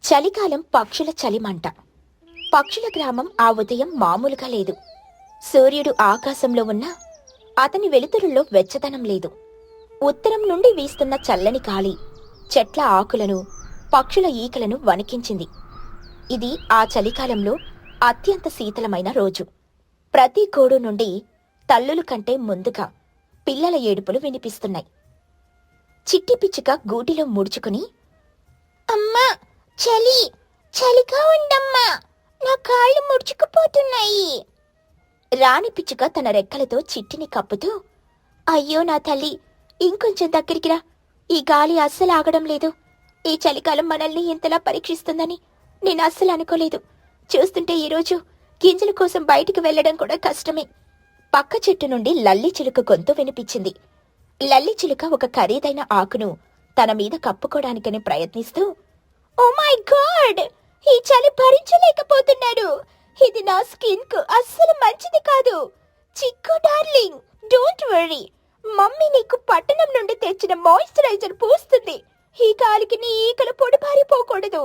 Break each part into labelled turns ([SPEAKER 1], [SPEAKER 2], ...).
[SPEAKER 1] చలికాలం పక్షుల చలిమంట. పక్షుల గ్రామం ఆ ఉదయం మామూలుగా లేదు. సూర్యుడు ఆకాశంలో ఉన్నా అతని వెలుతురుల్లో వెచ్చదనం లేదు. ఉత్తరం నుండి వీస్తున్న చల్లని గాలి చెట్ల ఆకులను, పక్షుల ఈకలను వణికించింది. ఇది ఆ చలికాలంలో అత్యంత శీతలమైన రోజు. ప్రతి గోడు నుండి తల్లుల కంటే ముందుగా పిల్లల ఏడుపులు వినిపిస్తున్నాయి. చిట్టి పిచ్చుక గూటిలో ముడుచుకుని, అమ్మా, చలి చలిగా ఉందమ్మా, నా కాళ్ళు ముడుచుకుపోతున్నాయి. రాణి పిచ్చుక తన రెక్కలతో చిట్టిని కప్పుతూ, అయ్యో నా తల్లి, ఇంకొంచెం దగ్గరికి రా, ఈ గాలి అస్సలు ఆగడం లేదు. ఈ చలికాలం మనల్ని ఇంతలా పరీక్షిస్తుందని నేను అస్సలు అనుకోలేదు. చూస్తుంటే ఈరోజు గింజల కోసం బయటికి వెళ్లడం కూడా కష్టమే. పక్క చెట్టు నుండి లల్లి చిలుక గొంతు వినిపించింది. లల్లి చిలుక ఒక ఖరీదైన ఆకును తన మీద కప్పుకోవడానికని ప్రయత్నిస్తూ, ఓ మై గాడ్, ఈ చలి భరించలేకపోతున్నాడు. ఇది నా స్కిన్ కు అస్సలు మంచిది కాదు. చిక్కు డార్లింగ్, డోంట్ వరీ, మమ్మీ నీకు పట్టణం నుండి తెచ్చిన మాయిశ్చరైజర్ పూస్తుంది. ఈ గాలికి నీ ఈకలు పొడిపారిపోకూడదు.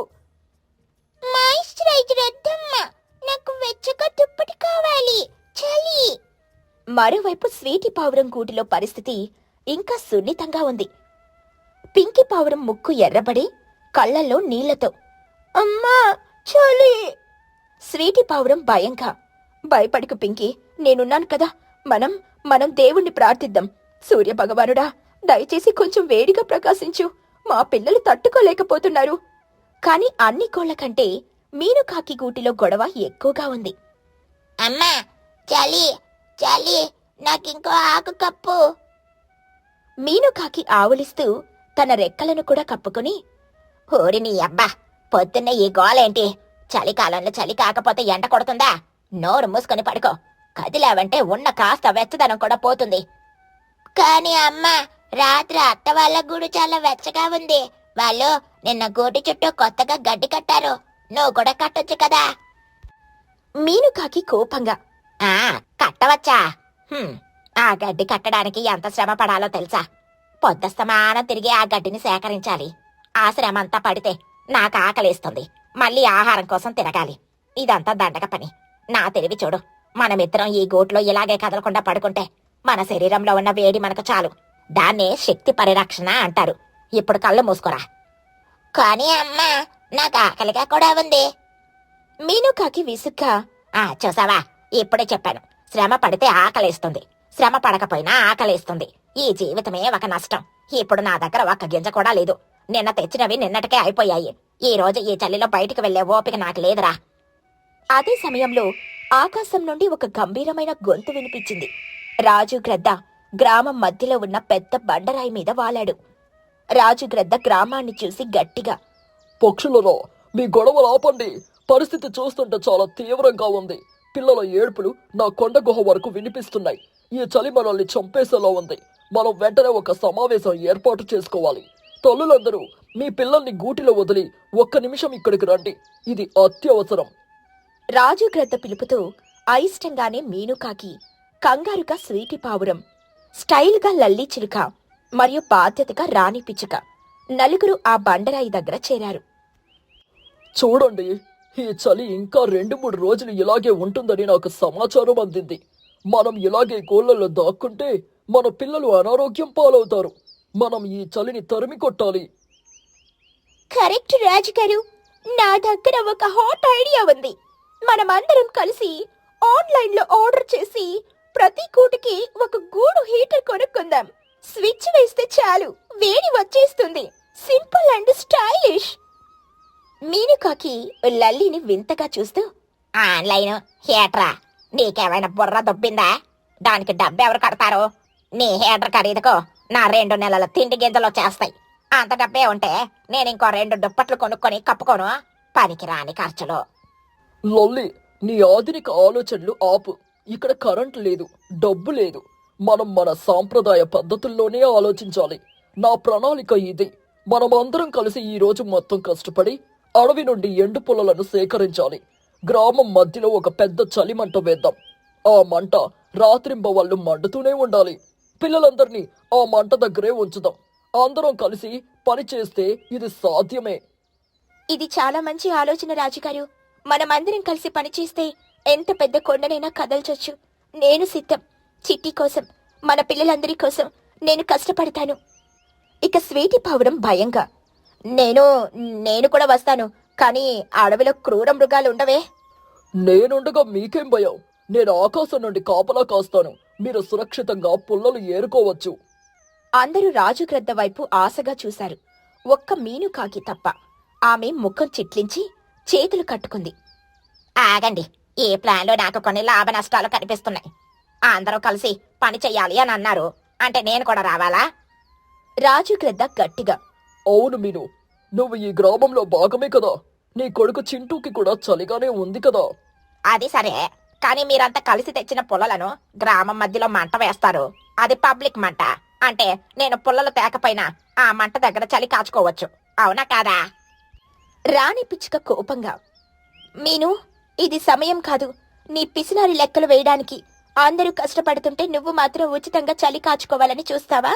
[SPEAKER 1] మాయిశ్చరైజర్ వద్దమ్మా, నాకు వెచ్చగా దుప్పటి కావాలి, చలి. మరోవైపు స్వీటీ పావురం గూటిలో పరిస్థితి ఇంకా సున్నితంగా ఉంది. పింకీ పావురం ముక్కు ఎర్రబడి కళ్లల్లో నీళ్లతో, అమ్మా చలి. స్వీటీ పావురం భయంగా, భయపడకు పింకీ, నేనున్నాను కదా, మనం దేవుణ్ణి ప్రార్థిద్దాం. సూర్య భగవానుడా, దయచేసి కొంచెం వేడిగా ప్రకాశించు, మా పిల్లలు తట్టుకోలేకపోతున్నారు. కాని అన్ని కోళ్ల కంటే మీనుకాకి గూటిలో గొడవ ఎక్కువగా ఉంది. అమ్మా చలి చలి, నాకింకో ఆకు కప్పు. మీనుకాకి ఆవులిస్తూ తన రెక్కలను కూడా కప్పుకుని, ఓరిని అబ్బా, పొద్దున్న ఈ గోలేంటి? చలికాలంలో చలి కాకపోతే ఎండ కొడుతుందా? నోరు మూసుకొని పడుకో, కదిలావంటే ఉన్న కాస్త వెచ్చదనం కూడా పోతుంది. కాని అమ్మా, రాత్రి అత్త వాళ్ళ గూడు చాలా వెచ్చగా ఉంది. వాళ్ళు నిన్న గూటి చుట్టూ కొత్తగా గడ్డి కట్టారు, నువ్వు కూడా కట్టొచ్చు కదా. మీనుకాకి కోపంగా, కట్టవచ్చా? ఆ గడ్డి కట్టడానికి ఎంత శ్రమ పడాలో తెలుసా? పొద్దస్తమానం తిరిగి ఆ గడ్డిని సేకరించాలి. ఆ శ్రమ అంతా పడితే నాకు ఆకలేస్తుంది, మళ్ళీ ఆహారం కోసం తిరగాలి. ఇదంతా దండగ పని. నా తెలివి చూడు, మనమిద్దరం ఈ గూట్లో ఇలాగే కదలకుండా పడుకుంటే మన శరీరంలో ఉన్న వేడి మనకు చాలు. దాన్నే శక్తి పరిరక్షణ అంటారు. ఇప్పుడు కళ్ళు మూసుకోరా. కానీ అమ్మా, నాకు ఆకలిగా కూడా ఉంది. మీనుకాకి విసుగ్గా, చూసావా, ఇప్పుడే చెప్పాను, శ్రమ పడితే ఆకలేస్తుంది, శ్రమ పడకపోయినా ఆకలేస్తుంది. ఈ జీవితమే ఒక నష్టం. ఇప్పుడు నా దగ్గర ఒక్క గింజ కూడా లేదు. నిన్న తెచ్చినవి నిన్నటికే అయిపోయాయి. ఈ రోజు ఈ చలిలో బయటికి వెళ్లే ఓపిక నాకు లేదురా. అదే సమయంలో ఆకాశం నుండి ఒక గంభీరమైన గొంతు వినిపించింది. రాజు గ్రద్ద గ్రామం మధ్యలో ఉన్న పెద్ద బండరాయి మీద వాలాడు. రాజు గ్రద్ద గ్రామాన్ని చూసి గట్టిగా,
[SPEAKER 2] పక్షులలో మీ గొడవలు ఆపండి. పరిస్థితి చూస్తుంటే చాలా తీవ్రంగా ఉంది. పిల్లల ఏడుపులు నా కొండ గుహ వరకు వినిపిస్తున్నాయి. ఈ చలి మనల్ని చంపేసేలా ఉంది. మనం వెంటనే ఒక సమావేశం ఏర్పాటు చేసుకోవాలి. తల్లులందరూ మీ పిల్లల్ని గూటిలో వదిలి ఒక్క నిమిషం ఇక్కడికి రండి, ఇది అత్యవసరం.
[SPEAKER 1] రాజు గ్రద్ద పిలుపుతో అయిష్టంగానే మీనుకాకి, కంగారుగా స్వీటి పావురం, స్టైల్గా లల్లి చిలుక మరియు బాధ్యతగా రాణి పిచ్చుక నలుగురు ఆ బండరాయి దగ్గర చేరారు.
[SPEAKER 2] చూడండి, ఈ చలి ఇంకా 2-3 రోజులు ఇలాగే ఉంటుందని నాకు సమాచారం అందింది. మనం ఇలాగే కోళ్లలో దాక్కుంటే మన పిల్లలు అనారోగ్యం పాలవుతారు. మనం ఈ చలిని తరిమి కొట్టాలి.
[SPEAKER 1] కరెక్ట్ రాజుగారు, నా దగ్గర ఒక హాట్ ఐడియా ఉంది. మనమందరం కలిసి ఆన్లైన్లో ఆర్డర్ చేసి ప్రతి గూటికి ఒక గూడు హీటర్ కొనుక్కుందాం. స్విచ్ వేస్తే చాలు, వేడి వచ్చేస్తుంది. Simple and stylish. మీనుకాకి లల్లిని వింతగా చూస్తూ, ఆన్లైన్ హీటరా? నీకేమైనా బుర్ర దొబ్బిందా? దానికి డబ్బెవరు కడతారు? నీ హీటర్ ఖరీదుకో నా 2 నెలల తిండి గింజలు చేస్తాయి. అంత డబ్బే ఉంటే నేను ఇంకో 2 దుప్పట్లు కొనుక్కొని కప్పుకోను. పనికి రాని ఖర్చులు.
[SPEAKER 2] లొల్లి, నీ ఆధునిక ఆలోచనలు ఆపు. ఇక్కడ కరెంట్ లేదు, డబ్బు లేదు. మనం మన సాంప్రదాయ పద్ధతుల్లోనే ఆలోచించాలి. నా ప్రణాళిక ఇది. మనం అందరం కలిసి ఈ రోజు మొత్తం కష్టపడి అడవి నుండి ఎండు పుల్లలను సేకరించాలి. గ్రామం మధ్యలో ఒక పెద్ద చలిమంట వేద్దాం. ఆ మంట రాత్రింబవళ్ళు మండుతూనే ఉండాలి. పిల్లలందరినీ ఆ మంట దగ్గరే ఉంచుదాం. అందరం కలిసి పని చేస్తే ఇది సాధ్యమే.
[SPEAKER 1] ఇది చాలా మంచి ఆలోచన రాజుగారు. మనమందరం కలిసి పనిచేస్తే ఎంత పెద్ద కొండనైనా కదల్చొచ్చు. నేను సిద్ధం. చిట్టి కోసం, మన పిల్లలందరి కోసం నేను కష్టపడతాను. ఇక స్వీటి పావురం భయంగా, నేను నేను కూడా వస్తాను. కానీ అడవిలో క్రూర మృగాలు ఉండవే?
[SPEAKER 2] నేనుండగా మీకేం భయం? నేను ఆకాశం నుండి కాపలా కాస్తాను. మీరు సురక్షితంగా పుల్లలు ఏరుకోవచ్చు.
[SPEAKER 1] అందరూ రాజుగ్రద్ద వైపు ఆశగా చూశారు. ఒక్క మీనుకాకి తప్ప. ఆమె ముఖం చిట్లించి చేతులు కట్టుకుంది. ఆగండి, ఈ ప్లాన్లో నాకు కొన్ని లాభ నష్టాలు కనిపిస్తున్నాయి. అందరూ కలిసి పని చెయ్యాలి అని అన్నారు. అంటే నేను కూడా రావాలా? రాజుగ్రద్ద గట్టిగా.
[SPEAKER 2] అవును మీను, నువ్వు ఈ గ్రామంలో భాగమే కదా. నీ కొడుకు చింటూకి కూడా చలిగానే ఉంది కదా.
[SPEAKER 1] అది సరే, కానీ మీరంతా కలిసి తెచ్చిన పుల్లలను గ్రామం మధ్యలో మంట వేస్తారు. అది పబ్లిక్ మంట. అంటే నేను పుల్లలు తేకపోయినా ఆ మంట దగ్గర చలి కాచుకోవచ్చు. అవునా కాదా? రాణి పిచ్చుక కోపంగా, మీను, ఇది సమయం కాదు నీ పిసినారి లెక్కలు వేయడానికి. అందరూ కష్టపడుతుంటే నువ్వు మాత్రం ఉచితంగా చలి కాచుకోవాలని చూస్తావా?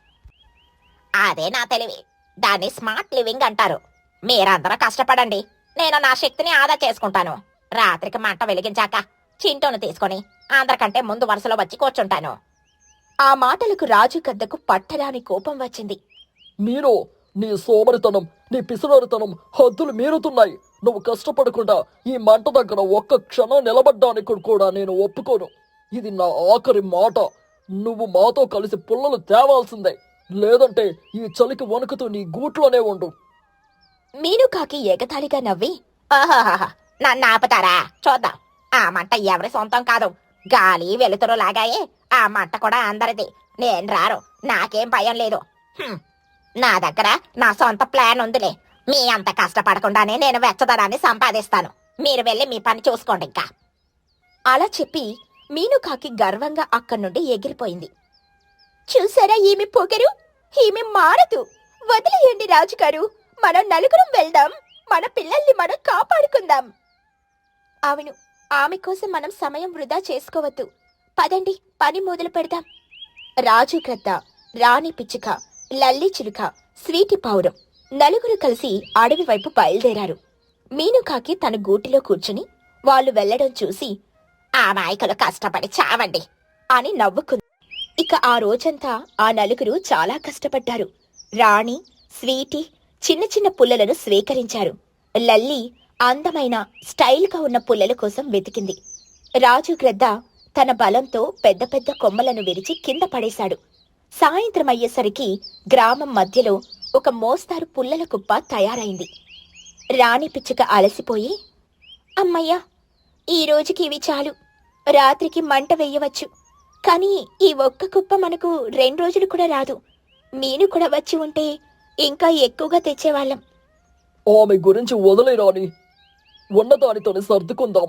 [SPEAKER 1] అదే నా తెలివి. దాన్ని స్మార్ట్ లివింగ్ అంటారు. మీరందరూ కష్టపడండి, నేను నా శక్తిని ఆదా చేసుకుంటాను. రాత్రికి మంట వెలిగించాక చింటూను తీసుకొని అందరికంటే ముందు వరుసలో వచ్చి కూర్చుంటాను. ఆ మాటలకు రాజు గద్దకు పట్టరాని కోపం వచ్చింది.
[SPEAKER 2] మీను, నీ సోమరితనం, నీ పిసినారితనం హద్దులు మీరుతున్నాయి. నువ్వు కష్టపడకుండా ఈ మంట దగ్గర ఒక్క క్షణం నిలబడ్డానికి కూడా నేను ఒప్పుకోను. ఇది నా ఆఖరి మాట. నువ్వు మాతో కలిసి పుల్లలు తేవాల్సిందే. లేదంటే ఈ చలికి వణుకుతూ నీ గూట్లోనే ఉండు.
[SPEAKER 1] మీనుకాకి ఎగతాళిగా నవ్వి, ఆహాహా, నన్ను ఆపుతారా? చూద్దాం. ఆ మంట ఎవరి సొంతం కాదు, గాలి వెలుతురు లాగాయే. ఆ మంట కూడా అందరిది. నేను రారు, నాకేం భయం లేదు. నా దగ్గర నా సొంత ప్లాన్ ఉందిలే. మీ అంత కష్టపడకుండానే నేను వెచ్చదనాన్ని సంపాదిస్తాను. మీరు వెళ్ళి మీ పని చూసుకోండి ఇంకా. అలా చెప్పి మీనుకాకి గర్వంగా అక్కడి నుండి ఎగిరిపోయింది. చూసారా ఈమె పొగరు? ఈమె మారదు. వదిలేయండి రాజుగారు, మనం నలుగురం వెళ్దాం. మన పిల్లల్ని మనం కాపాడుకుందాం. అవును, ఆమె కోసం మనం సమయం వృధా చేసుకోవద్దు. పదండి, పని మొదలు పెడదాం. రాజు గ్రద్ద, రాణి పిచ్చుక, లల్లి చిలుక, స్వీటి పావురం నలుగురు కలిసి అడవి వైపు బయలుదేరారు. మీనుకాకి తన గూటిలో కూర్చుని వాళ్ళు వెళ్లడం చూసి, ఆ మాయకులు కష్టపడి చావండి అని నవ్వుకుంది. ఇక ఆ రోజంతా ఆ నలుగురు చాలా కష్టపడ్డారు. రాణి, స్వీటి చిన్న చిన్న పుల్లలను స్వీకరించారు. లల్లి అందమైన స్టైల్గా ఉన్న పుల్లల కోసం వెతికింది. రాజు గ్రద్ద తన బలంతో పెద్ద పెద్ద కొమ్మలను విరిచి కింద పడేశాడు. సాయంత్రం అయ్యేసరికి గ్రామం మధ్యలో ఒక మోస్తారు పుల్లల కుప్ప తయారైంది. రాణి పిచ్చుక అలసిపోయి, అమ్మయ్యా, ఈ రోజుకి ఇవి చాలు. రాత్రికి మంట వెయ్యవచ్చు. కానీ ఈ ఒక్క కుప్ప మనకు 2 రోజులు కూడా రాదు. మీను కూడా వచ్చి ఉంటే ఇంకా ఎక్కువగా తెచ్చేవాళ్ళం.
[SPEAKER 2] ఆమె గురించి వదిలే రాణి, ఉన్నదానితోనే సర్దుకుందాం.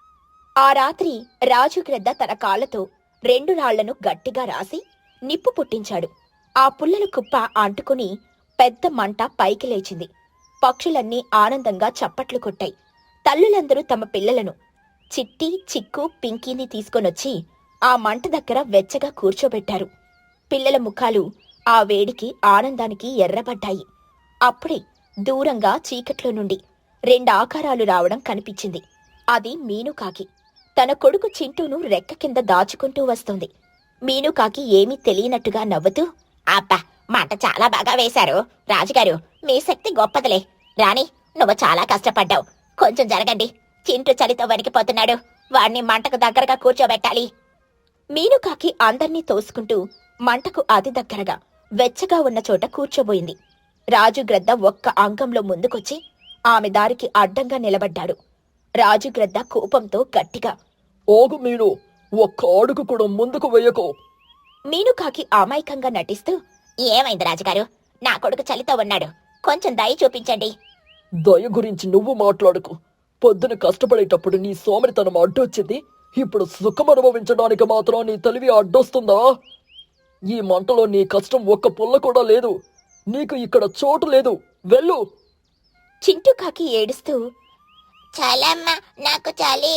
[SPEAKER 1] ఆ రాత్రి రాజుగ్రద్ద తన కాళ్లతో 2 రాళ్లను గట్టిగా రాసి నిప్పు పుట్టించాడు. ఆ పుల్లల కుప్ప అంటుకుని పెద్ద మంట పైకి లేచింది. పక్షులన్నీ ఆనందంగా చప్పట్లు కొట్టాయి. తల్లులందరూ తమ పిల్లలను, చిట్టి, చిక్కు, పింకీని తీసుకొనొచ్చి ఆ మంట దగ్గర వెచ్చగా కూర్చోబెట్టారు. పిల్లల ముఖాలు ఆ వేడికి ఆనందానికి ఎర్రబడ్డాయి. అప్పుడే దూరంగా చీకట్లో నుండి 2 ఆకారాలు రావడం కనిపించింది. అది మీనుకాకి. తన కొడుకు చింటూను రెక్క కింద దాచుకుంటూ వస్తోంది. మీనుకాకి ఏమీ తెలియనట్టుగా నవ్వుతూ, అబ్బా, మంట చాలా బాగా వేశారు రాజుగారు. మీ శక్తి గొప్పదిలే. రాణి, నువ్వు చాలా కష్టపడ్డావు. కొంచెం జరగండి, చింటూ చలితో వణికిపోతున్నాడు. వాణ్ణి మంటకు దగ్గరగా కూర్చోబెట్టాలి. మీనుకాకి అందర్నీ తోసుకుంటూ మంటకు అతి దగ్గరగా వెచ్చగా ఉన్న చోట కూర్చోబోయింది. రాజుగ్రద్ద ఒక్క అంగంలో ముందుకొచ్చి ఆమె దారికి అడ్డంగా నిలబడ్డాడు. రాజుగ్రద్ద కోపంతో గట్టిగా,
[SPEAKER 2] ఓగు మీను, ఒక్క అడుగు కూడా ముందుకు వెయ్యకు.
[SPEAKER 1] మీనుకాకి అమాయకంగా నటిస్తూ, ఏమైంది రాజుగారు? నా కొడుకు చలితో ఉన్నాడు, కొంచెం దయ చూపించండి.
[SPEAKER 2] దయ గురించి నువ్వు మాట్లాడుకు. పొద్దున కష్టపడేటప్పుడు నీ సోమరితనం అడ్డొచ్చింది. ఇప్పుడు సుఖం అనుభవించడానికి మాత్రం నీ తెలివి అడ్డొస్తుందా? ఈ మంటలో నీ కష్టం ఒక్క పుల్ల కూడా లేదు. నీకు ఇక్కడ చోటు లేదు, వెళ్ళు.
[SPEAKER 1] చింటూకాకి ఏడుస్తూ, చాలమ్మా, నాకు చాలి.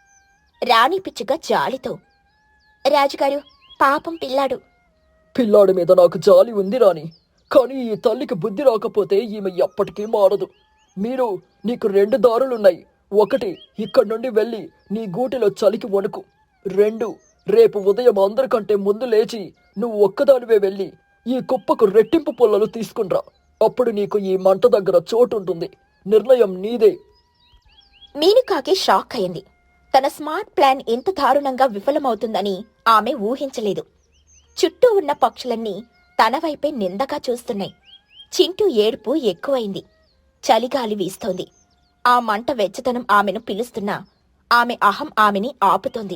[SPEAKER 1] రాణి పిచ్చుక జాలితో, రాజుగారు, పాపం పిల్లాడు.
[SPEAKER 2] పిల్లాడి మీద నాకు జాలి ఉంది రాని, కానీ ఈ తల్లికి బుద్ధి రాకపోతే ఈమె ఎప్పటికీ మారదు. మీరు నీకు 2 దారులున్నాయి. ఒకటి, ఇక్కడి నుండి వెళ్ళి నీ గూటిలో చలికి వణుకు. 2, రేపు ఉదయం అందరికంటే ముందు లేచి నువ్వు ఒక్కదానివే వెళ్ళి ఈ కుప్పకు రెట్టింపు పుల్లలు తీసుకునిరా. అప్పుడు నీకు ఈ మంట దగ్గర చోటుంటుంది. నిర్ణయం నీదే.
[SPEAKER 1] మీనుకాకి షాక్ అయింది. తన స్మార్ట్ ప్లాన్ ఇంత దారుణంగా విఫలమవుతుందని ఆమె ఊహించలేదు. చుట్టూ ఉన్న పక్షులన్నీ తన వైపే నిందగా చూస్తున్నాయి. చింటూ ఏడుపు ఎక్కువైంది. చలిగాలి వీస్తోంది. ఆ మంట వెచ్చతనం ఆమెను పిలుస్తున్నా ఆమె అహం ఆమెని ఆపుతోంది.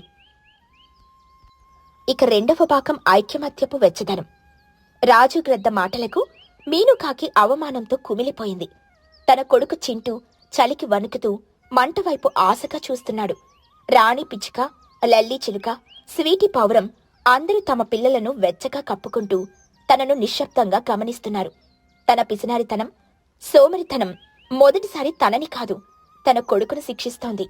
[SPEAKER 1] ఇక రెండవ భాగం ఐక్యమత్యపు వెచ్చదనం. రాజు గ్రద్ద మాటలకు మీనుకాకి అవమానంతో కుమిలిపోయింది. తన కొడుకు చింటూ చలికి వణుకుతూ మంటవైపు ఆశగా చూస్తున్నాడు. రాణి పిచ్చుక, లల్లీ చిలుక, స్వీటీ పౌరం అందరూ తమ పిల్లలను వెచ్చగా కప్పుకుంటూ తనను నిశ్శబ్దంగా గమనిస్తున్నారు. తన పిసినారితనం, సోమరితనం మొదటిసారి తనని కాదు, తన కొడుకును శిక్షిస్తోంది.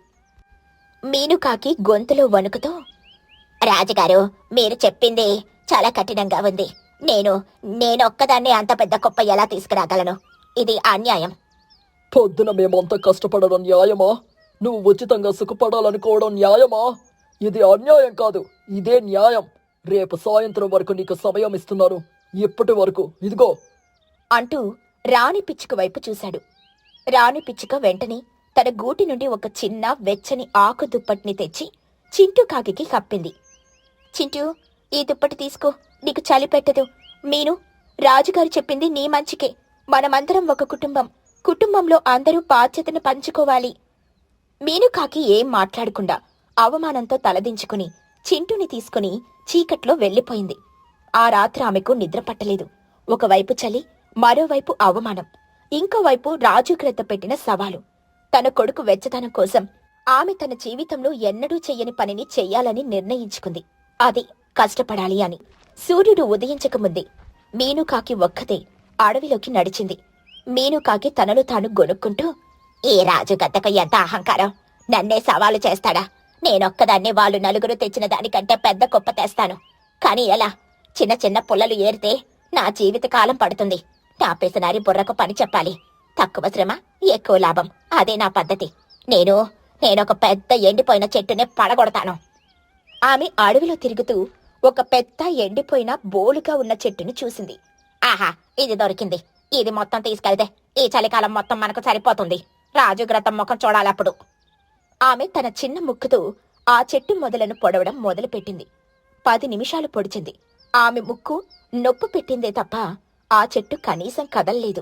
[SPEAKER 1] మీనుకాకి గొంతులో వణుకుతో, రాజుగారు, మీరు చెప్పింది చాలా కఠినంగా ఉంది. నేనొక్కదాన్ని అంత పెద్ద కుప్ప ఎలా తీసుకురాగలను? ఇది అన్యాయం.
[SPEAKER 2] పొద్దున మేమంతా కష్టపడడం న్యాయమా? నువ్వు ఉచితంగా సుఖపడాలనుకోవడం న్యాయమా? ఇది అన్యాయం కాదు, ఇదే న్యాయం. రేపు సాయంత్రం వరకు నీకు సమయం ఇస్తున్నాను. ఇప్పటి వరకు ఇదిగో
[SPEAKER 1] అంటూ రాణి పిచ్చుక వైపు చూశాడు. రాణి పిచ్చుక వెంటనే తన గూటి నుండి ఒక చిన్న వెచ్చని ఆకు దుప్పటిని తెచ్చి చింటూ కాకికి కప్పింది. చింటూ, ఈ దుప్పటి తీసుకో, నీకు చలి పెట్టదు. మీను, రాజుగారు చెప్పింది నీ మంచికే. మనమందరం ఒక కుటుంబం. కుటుంబంలో అందరూ బాధ్యతను పంచుకోవాలి. మీనుకాకి ఏం మాట్లాడకుండా అవమానంతో తలదించుకుని చింటూని తీసుకుని చీకట్లో వెళ్లిపోయింది. ఆ రాత్రి ఆమెకు నిద్ర పట్టలేదు. ఒకవైపు చలి, మరోవైపు అవమానం, ఇంకోవైపు రాజు క్రద్ద పెట్టిన సవాలు. తన కొడుకు వెచ్చదనం కోసం ఆమె తన జీవితంలో ఎన్నడూ చెయ్యని పనిని చెయ్యాలని నిర్ణయించుకుంది. అది కష్టపడాలి అని. సూర్యుడు ఉదయించకముందే మీనుకాకి ఒక్కతే అడవిలోకి నడిచింది. మీనుకాకి తనను తాను గొనుక్కుంటూ, ఈ రాజు గద్దకు ఎంత అహంకారం! నన్నే సవాలు చేస్తాడా? నేనొక్కదాన్నే వాళ్ళు నలుగురు తెచ్చిన దానికంటే పెద్ద కుప్ప తెస్తాను. కాని ఎలా? చిన్న చిన్న పుల్లలు ఏరితే నా జీవితకాలం పడుతుంది. నా బుర్రకు పని చెప్పాలి. తక్కువ శ్రమ, ఎక్కువ లాభం. అదే నా పద్ధతి. నేనొక పెద్ద ఎండిపోయిన చెట్టునే పడగొడతాను. ఆమె అడవిలో తిరుగుతూ ఒక పెద్ద ఎండిపోయిన బోలుగా ఉన్న చెట్టుని చూసింది. ఆహా, ఇది దొరికింది. ఇది మొత్తం తీసుకెళ్తే ఈ చలికాలం మొత్తం మనకు సరిపోతుంది. రాజుగ్రతం ముఖం చూడాలప్పుడు. ఆమె తన చిన్న ముక్కుతో ఆ చెట్టు మొదలను పొడవడం మొదలుపెట్టింది. 10 నిమిషాలు పొడిచింది. ఆమె ముక్కు నొప్పు పెట్టిందే తప్ప ఆ చెట్టు కనీసం కదల్లేదు.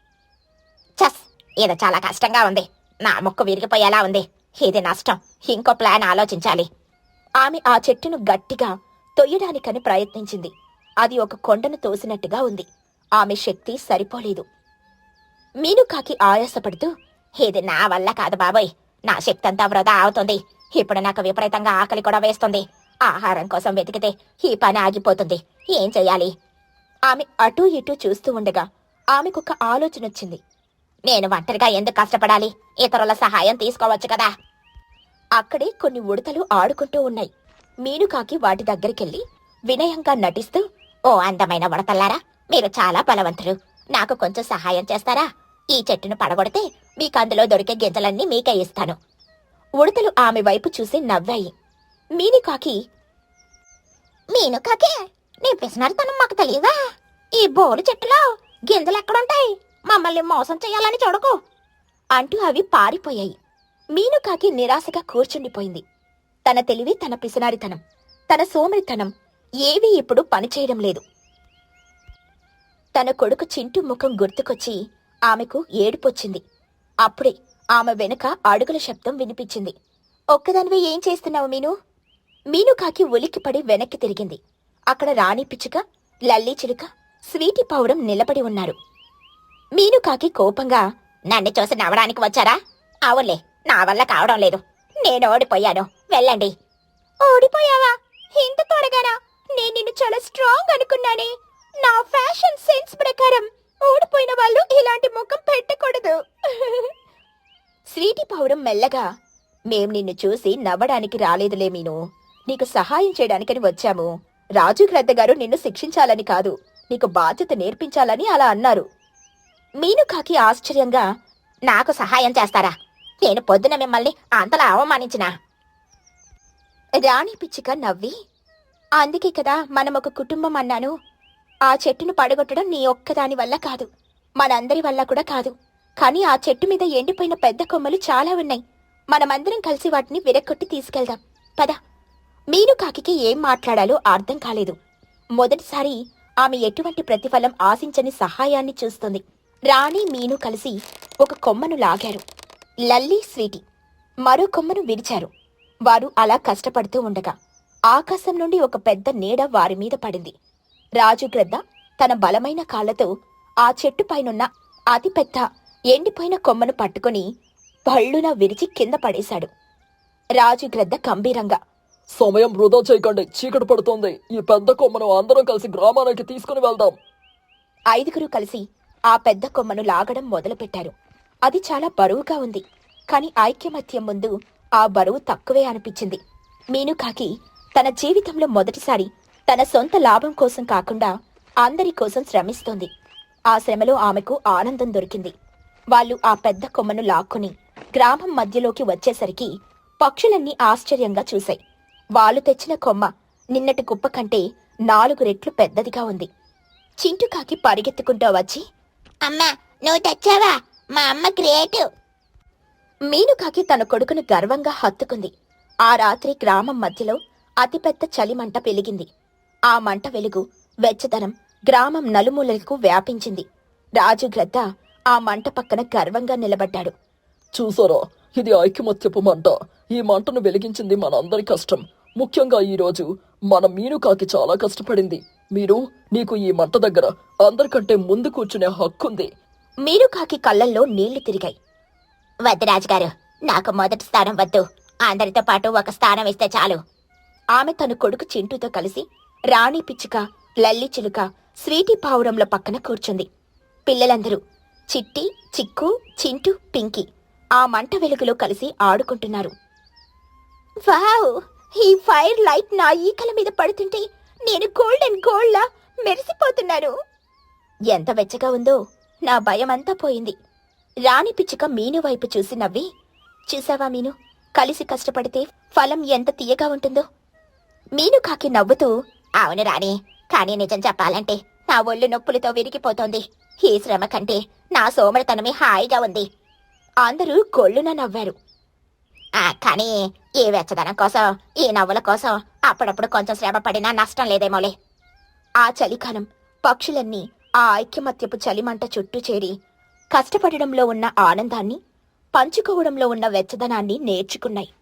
[SPEAKER 1] చస్, ఇది చాలా కష్టంగా ఉంది. నా ముక్కు విరిగిపోయేలా ఉంది. ఇది నష్టం. ఇంకో ప్లాన్ ఆలోచించాలి. ఆమె ఆ చెట్టును గట్టిగా తొయ్యడానికని ప్రయత్నించింది. అది ఒక కొండను తోసినట్టుగా ఉంది. ఆమె శక్తి సరిపోలేదు. మీనుకాకి ఆయాసపడుతూ, ఇది నా వల్ల కాదు బాబోయ్. నా శక్తి అంతా వృధా అవుతుంది. ఇప్పుడు నాకు విపరీతంగా ఆకలి కూడా వేస్తుంది. ఆహారం కోసం వెతికితే ఈ పని ఆగిపోతుంది. ఏం చెయ్యాలి? ఆమె అటూ ఇటూ చూస్తూ ఉండగా ఆమెకొక ఆలోచన వచ్చింది. నేను ఒంటరిగా ఎందుకు కష్టపడాలి? ఇతరుల సహాయం తీసుకోవచ్చు కదా. అక్కడే కొన్ని ఉడతలు ఆడుకుంటూ ఉన్నాయి. మీనుకాకి వాటి దగ్గరికెళ్ళి వినయంగా నటిస్తూ, ఓ అందమైన ఉడతల్లారా, మీరు చాలా బలవంతులు. నాకు కొంచెం సహాయం చేస్తారా? ఈ చెట్టును పడగొడితే మీకందులో దొరికే గింజలన్నీ మీకే ఇస్తాను. ఉడతలు ఆమె వైపు చూసి నవ్వాయి. మీనుకాకి నీ పిసినారితనం మాకు తెలియదా? ఈ బోలు చెట్టులో గింజలెక్కడుంటాయి? మమ్మల్ని మోసం చెయ్యాలని చూడకు అంటూ అవి పారిపోయాయి. మీనుకాకి నిరాశగా కూర్చుండిపోయింది. తన తెలివి, తన పిసినారితనం, తన సోమరితనం ఏవీ ఇప్పుడు పనిచేయడం లేదు. తన కొడుకు చింటూ ముఖం గుర్తుకొచ్చి ఆమెకు ఏడుపొచ్చింది. అప్పుడే ఆమె వెనుక అడుగుల శబ్దం వినిపించింది. ఒక్కదానివే ఏం చేస్తున్నావు మీను? మీనుకాకి ఉలిక్కిపడి వెనక్కి తిరిగింది. అక్కడ రాణి పిచ్చుక, లల్లీ చిలుక, స్వీటీ పౌరం నిలబడి ఉన్నారు. మీనుకాకి కోపంగా, నన్ను చూసి నవ్వడానికి వచ్చారా? అవునులే, నా వల్ల కావడం లేదు. నేను ఓడిపోయాను. వెళ్ళండి. ఓడిపోయావా? ఇంత త్వరగానా? నేను నిన్ను చాలా స్ట్రాంగ్ అనుకున్నానే. నా ఫ్యాషన్ సెన్స్ ప్రకారం ఓడిపోయిన వాళ్ళు ఇలాంటి ముఖం పెట్టకూడదు. స్వీటీ పౌరం మెల్లగా, మేం నిన్ను చూసి నవ్వడానికి రాలేదులే మీను. నీకు సహాయం చేయడానికని వచ్చాము. రాజు గ్రద్ద గారు నిన్ను శిక్షించాలని కాదు, నీకు బాధ్యత నేర్పించాలని అలా అన్నారు. మీనుకాకి ఆశ్చర్యంగా, నాకు సహాయం చేస్తారా? నేను పొద్దున మిమ్మల్ని అంతలా అవమానించినా? రాణి పిచ్చుక నవ్వి, అందుకే కదా మనం ఒక కుటుంబం అన్నాను. ఆ చెట్టును పడగొట్టడం నీ ఒక్కదాని వల్ల కాదు, మనందరి వల్ల కూడా కాదు. కానీ ఆ చెట్టు మీద ఎండిపోయిన పెద్ద కొమ్మలు చాలా ఉన్నాయి. మనమందరం కలిసి వాటిని విరక్కొట్టి తీసుకెళ్దాం పద. మీనుకాకి ఏం మాట్లాడాలో అర్థం కాలేదు. మొదటిసారి ఆమె ఎటువంటి ప్రతిఫలం ఆశించని సహాయాన్ని చూస్తుంది. రాణి మీను కలిసి ఒక కొమ్మను లాగారు. లల్లీ స్వీటీ మరో కొమ్మను విరిచారు. వారు అలా కష్టపడుతూ ఉండగా ఆకాశం నుండి ఒక పెద్ద నీడ వారి మీద పడింది. రాజు గ్రద్ద తన బలమైన కాళ్లతో ఆ చెట్టు పైనున్న అతిపెద్ద ఎండిపోయిన కొమ్మను పట్టుకుని భళ్ళున విరిచి కింద పడేశాడు. రాజు గ్రద్ద గంభీరంగా,
[SPEAKER 2] సమయం వృధా చేయకండి, చీకటి పడుతోంది. ఈ పెద్ద కొమ్మను అందరం కలిసి గ్రామానికి తీసుకుని వెళ్దాం.
[SPEAKER 1] 5గురు కలిసి ఆ పెద్ద కొమ్మను లాగడం మొదలుపెట్టారు. అది చాలా బరువుగా ఉంది. కాని ఐక్యమత్యం ముందు ఆ బరువు తక్కువే అనిపించింది. మీనుకాకి తన జీవితంలో మొదటిసారి తన సొంత లాభం కోసం కాకుండా అందరి కోసం శ్రమిస్తోంది. ఆ శ్రమలో ఆమెకు ఆనందం దొరికింది. వాళ్ళు ఆ పెద్ద కొమ్మను లాక్కుని గ్రామం మధ్యలోకి వచ్చేసరికి పక్షులన్నీ ఆశ్చర్యంగా చూశాయి. వాళ్ళు తెచ్చిన కొమ్మ నిన్నటి కుప్ప కంటే 4 రెట్లు పెద్దదిగా ఉంది. చింటుకాకి పరిగెత్తుకుంటూ వచ్చి, అమ్మా నువ్వు తెచ్చావా? మా అమ్మ గ్రేట్. మీనుకాకి తన కొడుకును గర్వంగా హత్తుకుంది. ఆ రాత్రి గ్రామం మధ్యలో అతిపెద్ద చలిమంట వెలిగింది. ఆ మంట వెలుగు వెచ్చదనం గ్రామం నలుమూలలకు వ్యాపించింది. రాజు గ్రద్ద ఆ మంట పక్కన గర్వంగా నిలబడ్డాడు.
[SPEAKER 2] చూసారా, ఇది ఐకమత్యపు మంట. ఈ మంటను వెలిగించింది మనందరి కష్టం. ముఖ్యంగా ఈ రోజు మన మీనుకాకి చాలా కష్టపడింది. నీకు ఈ మంట దగ్గర అందరికంటే ముందు కూర్చునే హక్కుంది.
[SPEAKER 1] మీనుకాకి కళ్ళల్లో నీళ్లు తిరిగాయి. వద్దు రాజుగారు, నాకు మొదటి స్థానం వద్దు. అందరితో పాటు ఒక స్థానం ఇస్తే చాలు. ఆమె తన కొడుకు చింటూతో కలిసి రాణి పిచ్చుక, లల్లి చిలుక, స్వీటీ పావురంల పక్కన కూర్చుంది. పిల్లలందరూ చిట్టి, చిక్కు, చింటూ, పింకీ ఆ మంట వెలుగులో కలిసి ఆడుకుంటున్నారు. వావ్! ఈ ఫైర్ లైట్ నా ఈకల మీద పడుతుంటే నేను గోల్డ్లా మెరిసిపోతున్నాను. ఎంత వెచ్చగా ఉందో, నా భయమంతా పోయింది. రాణి పిచ్చుక మీను వైపు చూసి నవ్వి, చూసావా మీను, కలిసి కష్టపడితే ఫలం ఎంత తీయగా ఉంటుందో. మీనుకాకి నవ్వుతూ, అవును రాణి, కానీ నిజం చెప్పాలంటే నా ఒళ్ళు నొప్పులతో విరిగిపోతోంది. ఈ శ్రమ కంటే నా సోమరితనమే హాయిగా ఉంది. అందరూ గొళ్ళున నవ్వారు. కానీ ఈ వెచ్చదనం కోసం, ఈ నవ్వుల కోసం అప్పుడప్పుడు కొంచెం శ్రమ పడినా నష్టం లేదేమోలే. ఆ చలికాలం పక్షులన్నీ ఆ ఐక్యమత్యపు చలిమంట చుట్టూ చేరి కష్టపడడంలో ఉన్న ఆనందాన్ని, పంచుకోవడంలో ఉన్న వెచ్చదనాన్ని నేర్చుకున్నాయి.